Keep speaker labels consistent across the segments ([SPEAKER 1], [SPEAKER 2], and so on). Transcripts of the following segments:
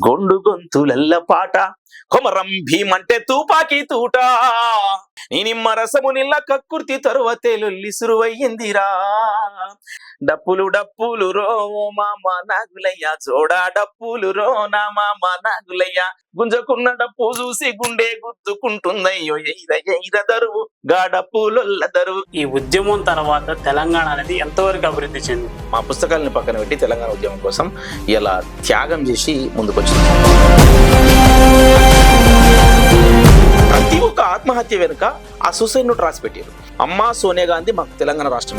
[SPEAKER 1] గొండు గొంతులెల్ల పాట కొమరం భీమంటే తూపాకి తూట నీ నిమ్మ రసము నిల్ల కక్కుర్తి తరువతేలొల్లి సురువయ్యిందిరా డప్పులు డప్పులు రో మామ నాగులయ్య జోడా డప్పులు రో నా మామ నాగులయ్య గుంజకున్న డప్పు చూసి గుండె గుద్దుకుంటుందయ్యో ఎయిర దరువు గా డప్పులొల్ల దరువు.
[SPEAKER 2] ఈ ఉద్యమం తర్వాత తెలంగాణ అనేది ఎంతవరకు అభివృద్ధి చెందింది?
[SPEAKER 1] మా పుస్తకాలను పక్కన పెట్టి తెలంగాణ ఉద్యమం కోసం ఇలా త్యాగం చేసి ముందుకొచ్చింది. ప్రతి ఒక్క ఆత్మహత్య వెనుక ఆ సూసైడ్ నోట్ రాసి పెట్టారు. అమ్మా సోనియా గాంధీ మాకు తెలంగాణ రాష్ట్రం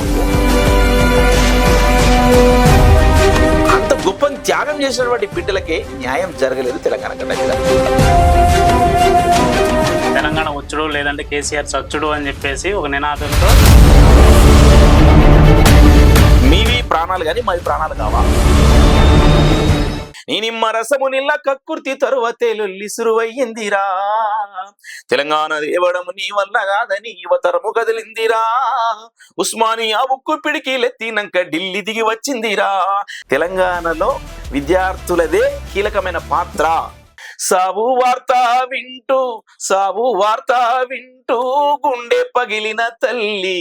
[SPEAKER 1] అంత గొప్ప త్యాగం చేసినటువంటి బిడ్డలకే న్యాయం జరగలేదు తెలంగాణ గడ్డ.
[SPEAKER 2] తెలంగాణ వచ్చుడు లేదంటే కేసీఆర్ చచ్చుడు అని చెప్పేసి ఒక నినాదంతో
[SPEAKER 1] మీవి ప్రాణాలు కానీ మావి ప్రాణాలు కావా. నీ నిమ్మ రసము నిల్ల కక్కుర్తి తరువతేలొల్లి సురువయ్యిందిరా తెలంగాణ దేవడము నీ వల్ల కాదని యువతరము కదిలిందిరా ఉస్మానియా ఉక్కు పిడికిలెత్తినాక ఢిల్లీ దిగి వచ్చిందిరా. తెలంగాణలో విద్యార్థులదే కీలకమైన పాత్ర. సావు వార్త వింటూ గుండె పగిలిన తల్లి.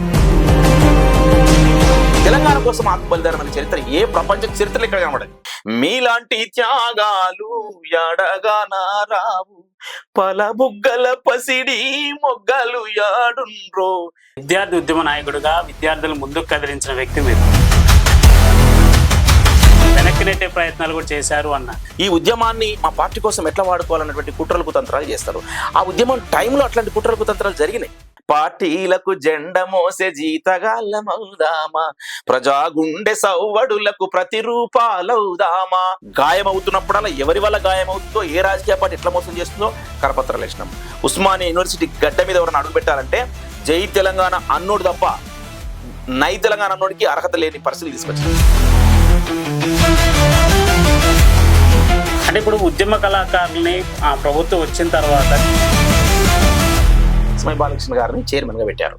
[SPEAKER 1] తెలంగాణ కోసం ఆత్మబలిదానం అనే చరిత్ర ఏ ప్రపంచ చరిత్రలో ఇక్కడ కనబడదు. మీలాంటి త్యాగాలు ఎడగానా రావు పలబుగ్గల పసిడి మొగ్గలు యాడుండ్రో.
[SPEAKER 2] విద్యార్థి ఉద్యమ నాయకుడుగా విద్యార్థులు ముందుకు కదిలించిన వ్యక్తి మీరు. వెనక్కి నెట్టే ప్రయత్నాలు కూడా చేశారు అన్న.
[SPEAKER 1] ఈ ఉద్యమాన్ని మా పార్టీ కోసం ఎట్లా వాడుకోవాలన్నటువంటి కుట్రలు కుతంత్రాలు చేస్తారు. ఆ ఉద్యమం టైంలో అట్లాంటి కుట్రలు కుతంత్రాలు జరిగినాయి. పార్టీలకు జెండ మోసే జీతగాళ్ళమవుదామా ప్రజా గుండె సవ్వడులకు ప్రతిరూపాలవుదామా. గాయమవుతున్నప్పుడల్లా ఎవరి వల్ల గాయమవుతుందో ఏ రాజకీయ పార్టీ ఎట్లా మోసం చేస్తుందో కరపత్రాలు వేసినాం. ఉస్మానియా యూనివర్సిటీ గడ్డ మీద ఎవరైనా అడుగు పెట్టాలంటే జై తెలంగాణ అన్నోడు తప్ప నై తెలంగాణ అన్నోడికి అర్హత లేని పరిస్థితి తీసుకొచ్చింది.
[SPEAKER 2] అంటే ఇప్పుడు ఉద్యమ కళాకారుల్ని ఆ ప్రభుత్వం వచ్చిన తర్వాత
[SPEAKER 1] ఎస్మై బాలకృష్ణ గారిని చైర్మన్ గా పెట్టారు.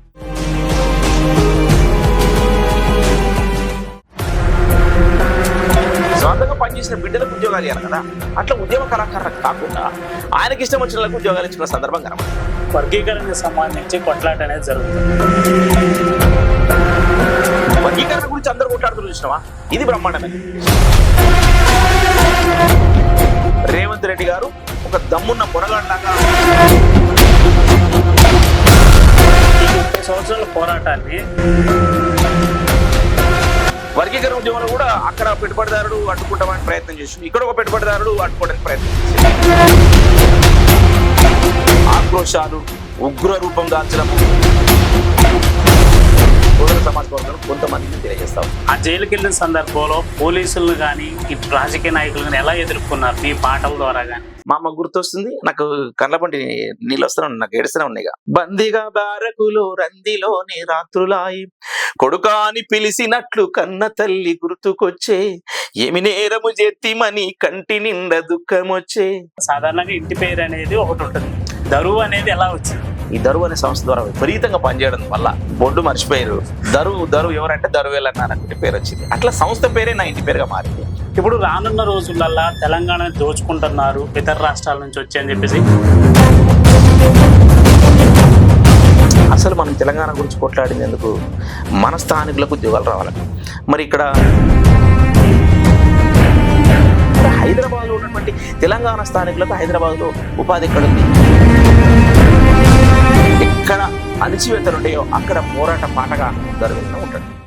[SPEAKER 1] స్వంతంగా పనిచేసిన బిడ్డలకు ఉద్యోగాలు ఇవ్వాలి కదా. అట్లా ఉద్యమ కళాకారులకు కాకుండా ఆయనకి ఇష్టం వచ్చిన వాళ్ళకు ఉద్యోగాలు ఇచ్చిన సందర్భం కనబడి
[SPEAKER 2] వర్గీకరణకు సంబంధించి కొట్లాట అనేది జరుగుతుంది.
[SPEAKER 1] వర్గీకరణ గురించి అందరూ కొట్లాడుతూ చూసినావా? ఇది బ్రహ్మాండమే. రేవంత్ రెడ్డి గారు ఒక దమ్మున్న పొరగాడిలాగా
[SPEAKER 2] 30 సంవత్సరాల పోరాటాన్ని
[SPEAKER 1] వర్గీకరణ ఉద్యమంలో కూడా అక్కడ పెట్టుబడిదారుడు అడ్డుకుంటామని ప్రయత్నం చేసి ఇక్కడ ఒక పెట్టుబడిదారుడు అడ్డుకోవడానికి ప్రయత్నం చేశారు. ఆక్రోశాలు ఉగ్ర రూపం దాల్చడము సమాజ వర్గం కొంతమందిని తెలియజేస్తాం.
[SPEAKER 2] ఆ జైలుకి వెళ్ళిన సందర్భంలో పోలీసులను కానీ ఇటు రాజకీయ నాయకులు కానీ ఎలా ఎదుర్కొన్నారు మీ పాటల ద్వారా కానీ?
[SPEAKER 1] మా అమ్మ గుర్తొస్తుంది. నాకు కళ్ళపంటి నీళ్ళు వస్తూనే ఉన్నాయి, నాకు ఏడుస్తూనే ఉన్నాయి. బందీగా బారకులో రందిలోని రాత్రులాయి కొడుకాని పిలిచినట్లు కన్న తల్లి గుర్తుకొచ్చే ఏమి నేరము చేతిమని కంటి నిండా దుఃఖం వచ్చే.
[SPEAKER 2] సాధారణంగా ఇంటి పేరు అనేది ఒకటి ఉంటుంది. దరువు అనేది ఎలా వచ్చింది?
[SPEAKER 1] ఈ దరువు అనే సంస్థ ద్వారా విపరీతంగా పనిచేయడం వల్ల బొడ్డు మర్చిపోయారు. దరువు ఎవరంటే దరువేలు అన్నటువంటి పేరు వచ్చింది. అట్లా సంస్థ పేరే నా ఇంటి పేరుగా మారింది.
[SPEAKER 2] ఇప్పుడు రానున్న రోజులల్లా తెలంగాణని దోచుకుంటున్నారు ఇతర రాష్ట్రాల నుంచి వచ్చి అని చెప్పేసి.
[SPEAKER 1] అసలు మనం తెలంగాణ గురించి కొట్లాడినందుకు మన స్థానికులకు ఉద్యోగాలు రావాలని. మరి ఇక్కడ హైదరాబాద్లో ఉన్నటువంటి తెలంగాణ స్థానికులకు హైదరాబాద్లో ఉపాధి ఎక్కడ ఉంది? ఎక్కడ అణిచివేతలు ఉంటాయో అక్కడ పోరాట పాటగా దరువేలుగా ఉంటాడు.